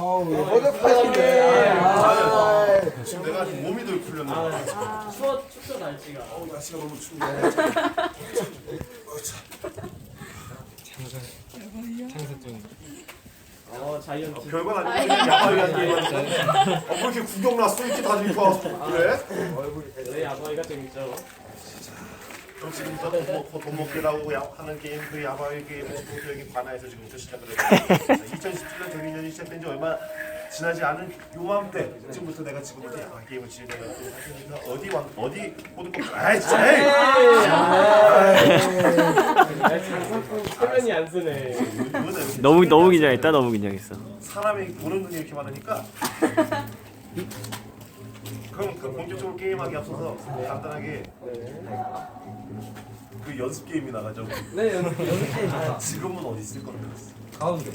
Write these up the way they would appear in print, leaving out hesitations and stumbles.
지금 내가 몸이 덜 풀렸네. 춥죠 날씨가. 날씨가 너무 춥네. 자이언트. 별건 아니고 야바위한 게임인데. 뭐 이렇게 구경 났어? 이렇게 다 입고 와서 그래? 네, 야바위가 재밌죠. 그럼 지금부터 돈 먹기라고 하는 게임 그 야바위 게임을 여기 관아에서 지금부터 시작을 해요. 2017년 경기년이 시작된 지 얼마 지나지 않은 요맘때 지금부터 내가 지금부터 야바위 게임을 진행하고 있으니까 어디 호두꽃 아이 진짜 화면이 안 쓰네. 너무 긴장했다. 너무 긴장했어. 사람이 보는 눈이 이렇게 많으니까 그럼 그 본격적으로 게임하기 앞서서 간단하게 그 연습 게임이 나가죠. 네, 연습 게임. 지금은 어디 있을 거라고 그랬어? 가운데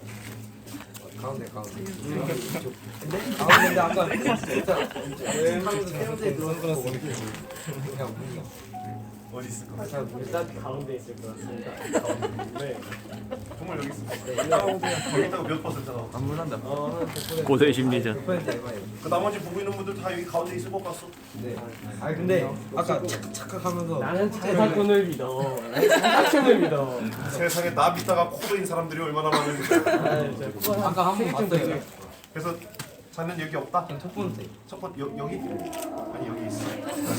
가운데 아까 하면서 세운데 들어서 그냥 문이야. 어디 있을 거? 일단 가운데 있을 것 같습니다. 네. 정말 여기 있어. 거기다가 몇 퍼센트 나와? 안 물란다. 고도의 심리전. 그 나머지 보고 있는 분들 다 여기 가운데 있을 것 같소. 네. 아니 근데 아까 착각하면서 나는 장사꾼을 믿어. 나는 장사꾼을 믿어. 세상에 나 믿다가 코드인 사람들이 얼마나 많은지. 아까 한 번 봤어요. 그래서 자는 여기 없다. 첫 번째. 첫 번째 여기? 아니 여기 있어.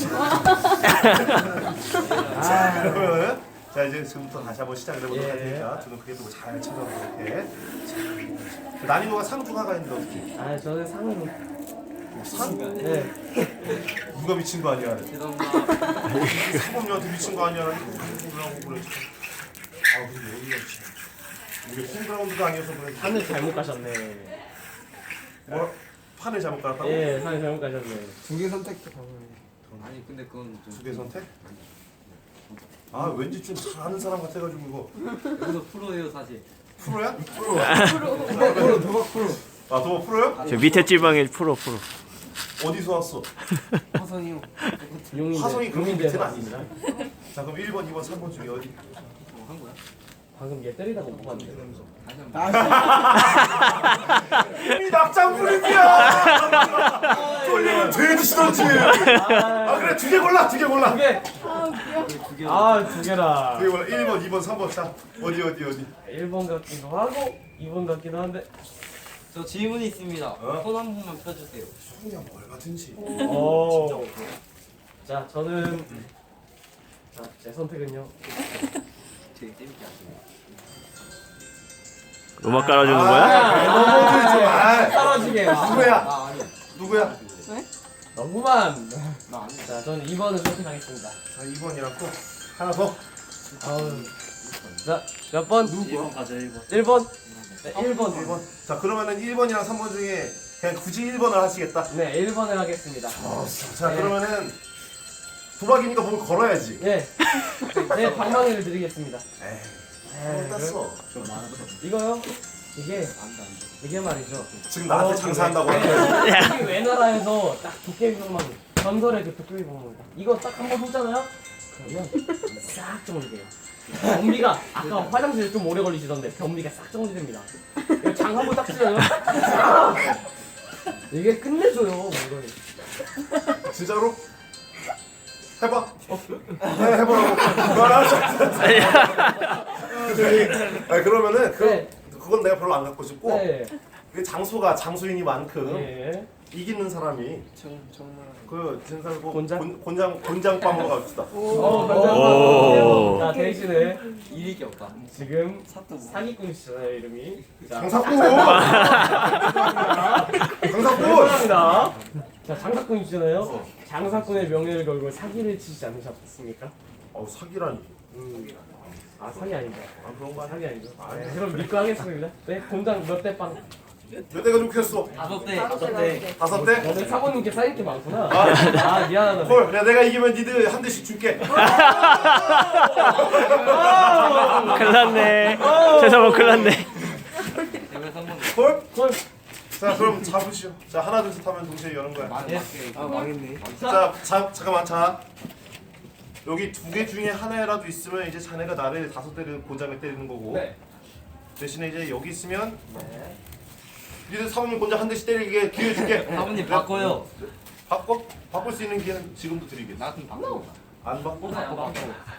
그러면 자 이제 지금부터 다시 한번 시작을 해보도록 할 테니까 두 눈 크게 뜨고 잘 찾아보도록 해. 자, 난이도가 상중하가 있는데 어떻게? 저는 상으로. 상? 네. 누가 미친 거 아니야? 사범님한테 미친 거 아니야? 라고 그래. 아 근데 어디가 미친? 우리 홈그라운드가 아니어서 그래. 판을 잘못 가셨네. 뭐? 판을 잘못 깔았다고? 예, 판을 잘못 가셨네. 두 개 선택도 가능해. 아니 근데 그건 두 개 선택? 아 왠지 좀 잘하는 사람 같아가지고 이거 여기서 프로예요 사실. 프로야? 프로. 도박 프로. 아 도박 프로야? 저 밑에 찔방에 프로. 어디서 왔어? 화선이요. 화성이 그렇게 밑에는 용인대에서 아니지. 자 그럼 1번, 2번, 3번 중에 어디? 한 거야? 방금 얘 때리다 못 봤는데. 이미 낙장 불입이야. 돌리면 돼지시던지. 아 그래 두 개 골라. 두 개. 두 개라. 두 개 골라. 1번, 2번, 3번. 자 어디? 1번 같기도 하고 2번 같기도 한데. 저 질문이 있습니다. 손 한 번만 펴주세요. 그냥 뭘 같은지. 오. 자, 저는 제 선택은요. 되게 재밌게 하시네요. 음악 깔아주는 거야? 너무들 좀. 아 떨어지게. 누구야? 아니야. 누구야? 너무만. 나 아니야. 자, 저는 2번을 선택하겠습니다. 자 2번이랑 또 하나 더. 자, 몇 번? 1번 가자 1번. 1번. 네, 1번. 1번. 자 그러면은 1번이랑 3번 중에 그냥 굳이 1번을 하시겠다. 네, 1번을 하겠습니다. 자 그러면은 도박이니까 뭘 걸어야지. 네. 네, 방망이를 드리겠습니다. 에이 땄어. 이거요? 이게 말이죠. 지금 나한테 장사한다고. 여기 외나라에서 딱 도깨비 방망이. 전설의 그 도깨비 방망이. 이거 딱 한 번 쏘잖아요? 그러면 싹 정리돼요. 변비가 아까 화장실에 좀 오래 걸리시던데 변비가 싹 정리됩니다. 이거 장 한 번 딱 치잖아요? 이게 끝내줘요, 물건이. 진짜로? 해봐. 해보라고. 알았어. 그러면은 네. 그건 내가 별로 안 갖고 싶고 네. 그 장소가 장소이니만큼 예. 이기는 사람이 정말. 그 진사고 곤장? 곤장빵으로 갑시다. 오. 자, 대신에 잃을 게 없다. 지금 사또 뭐. 사기꾼이시잖아요, 이름이. 자, 장사꾼. 장사꾼. 감사합니다. 자, 장사꾼이시잖아요. 장사꾼의 명예를 걸고 사기를 치지 않으셨습니까? 사기라니. 아, 사기 아니죠. 그런 거 사기 아니죠. 네, 그럼 믿고 하겠습니다. 네, 공장 몇 대 빵? 몇 대가 좋겠어? 5대. 5대? 오늘 사모님께 쌓인 게 많구나. 아, 미안하다. 헐, 야 내가 이기면 니들 한 대씩 줄게. 큰일 났네. 최성원 큰일 났네. 대회 3번. 헐? 헐. 자 그럼 잡으시오. 자 하나 둘 셋 하면 동시에 여는 거야. 망했네. 자 잠깐만 자. 여기 두 개 중에 하나라도 있으면 이제 자네가 나를 5대를 곤장에 때리는 거고 네. 대신에 이제 여기 있으면 네. 니들 사모님 혼자 한 대씩 때리게 기회 줄게. 사모님 바꿔요. 바꿀 수 있는 기회는 지금도 드리겠어. 나 좀 바꿔. 안 바꿔? 바꿔.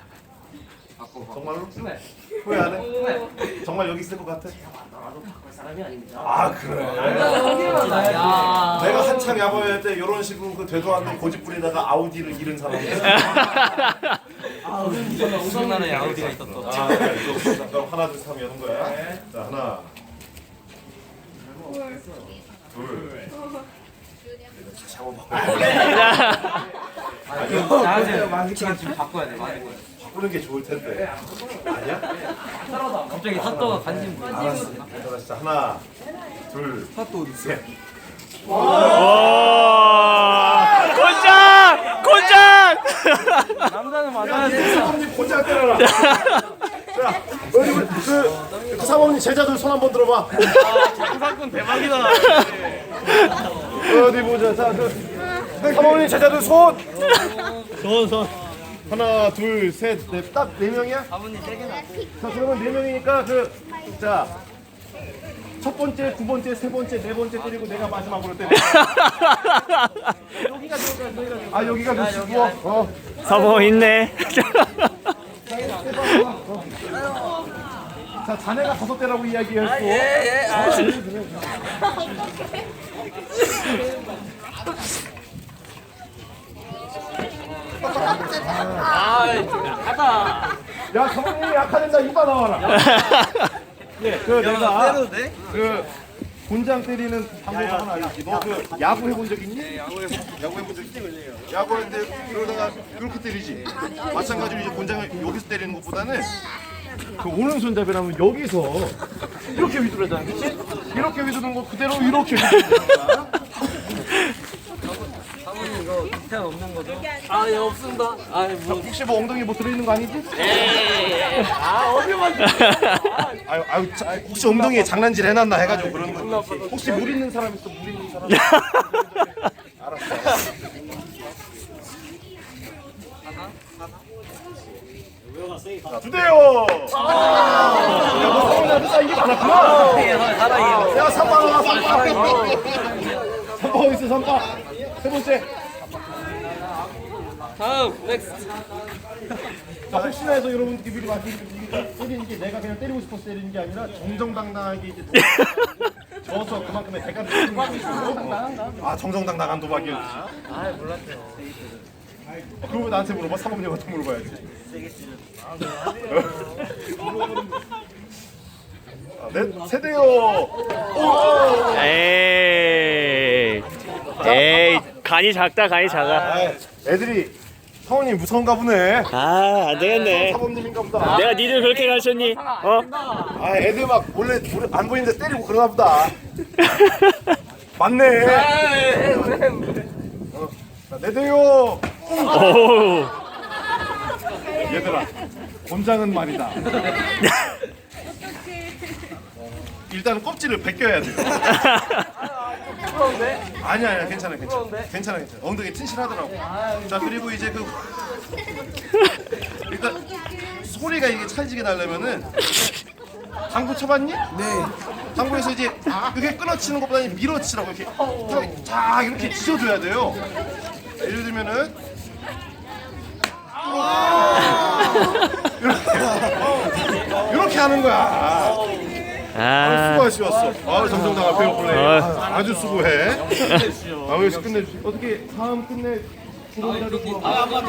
정말로? 네. 후회 안 해? 정말 여기 있을 것 같아? 나도 바꿀 사람이 아닙니다. 아 그래. 야. 내가 한창 야구할 때 이런 식으로 그 되도 않는 고집 부리다가 아우디를 잃은 사람이야. 우승나라에 아우디가 있었어. 아, 그래. 그럼 하나 둘 삼 여는 거야. 자 하나, 둘. 다시 한번 바꿔. 나한테 지금 좀 바꿔야 돼. 많이 거야. 바꾸는 게 좋을 텐데. 아니야? 갑자기 사또가 관심 보여. 알았어. 자 하나, 둘, 셋. 와! 곤장! 곤장! 남자는 맞아야 돼. 사모님 고장 때려라. 자, 어디 그 사모님 제자들 손 한번 들어봐. 사건 대박이다. 어디 보자. 자, 사모님 제자들 손. 손. 하나, 둘, 셋, 넷. 딱 네 명이야? 아버님 세게 나. 자, 그러면 네 명이니까 자. 첫 번째, 두 번째, 세 번째, 네 번째 때리고 내가 마지막으로 때려. 여기가 좋을까? 아 여기가 좋지. 어. 사모 있네. 자 자네가 다섯 대라고 이야기했고. 예. 야 성민이 약하된다 이봐 나와라. 그 내가 때려도 돼? 그 곤장 때리는 방법 하나 알지? 너 그 야구 해본 적 있니? 야구 해본 적 있지? 야구하는데 그러다가 그렇게 때리지. 마찬가지로 이제 곤장을 여기서 때리는 것보다는 그 오른손잡이라면 여기서 이렇게 위주로 하잖아, 그렇지? 이렇게 위주는 거 그대로 이렇게 위주로 거야. 사모님 이거 디테일 없는 거죠? 아, 예, 없습니다. 아, 뭐. 혹시 뭐 엉덩이 뭐 들어있는 거 아니지? 아유, 혹시 엉덩이에 장난질 해놨나 해가지고 그런 거. 혹시 물 있는 사람 있어? 물 있는 사람? 알았어. 자, 주대요. 야, 너 성훈아, 이게 많았구나. 야, 3번 하나, 3번. 3번 어디 있어, 3번. 세 번째. 다음, 넥스트. 자, 혹시나 해서 여러분들께 미리 말씀드리면 때리는 게 내가 그냥 때리고 싶어서 때리는 게 아니라 정정당당하게 이제 져서 그만큼의 대가를 치는 거고. 아, 정정당당한 도박이었지. 아, 몰랐죠. 그러고 왜 나한테 물어봐? 사모님한테 물어봐야지. 네, 세대요. 에이, 간이 작다, 간이 작아. 아, 애들이 사모님 무서운가 보네. 아, 안 되겠네. 사모님인가 보다. 내가 니들 그렇게 가르쳤니? 어? 아, 애들 막 원래 안 보이는데 때리고 그러나 보다. 맞네. 자, 네대요. 오. 얘들아, 곤장은 말이다. 일단은 껍질을 벗겨야 돼. 아니야, 괜찮아. 괜찮아. 엉덩이 튼실하더라고. 자, 그리고 이제 일단 소리가 이게 찰지게 나려면은 당구 쳐봤니? 네. 당구에서 이제 이렇게 끊어치는 것보다 밀어치라고 이렇게 쫙 이렇게 치셔줘야 돼요. 예를 들면은 이렇게 하는 거야. 아, 수고하셨어. 아, 정정당한 페어 플레이. 아주 수고해. 여기서 끝내주시. 어떻게 다음 끝내.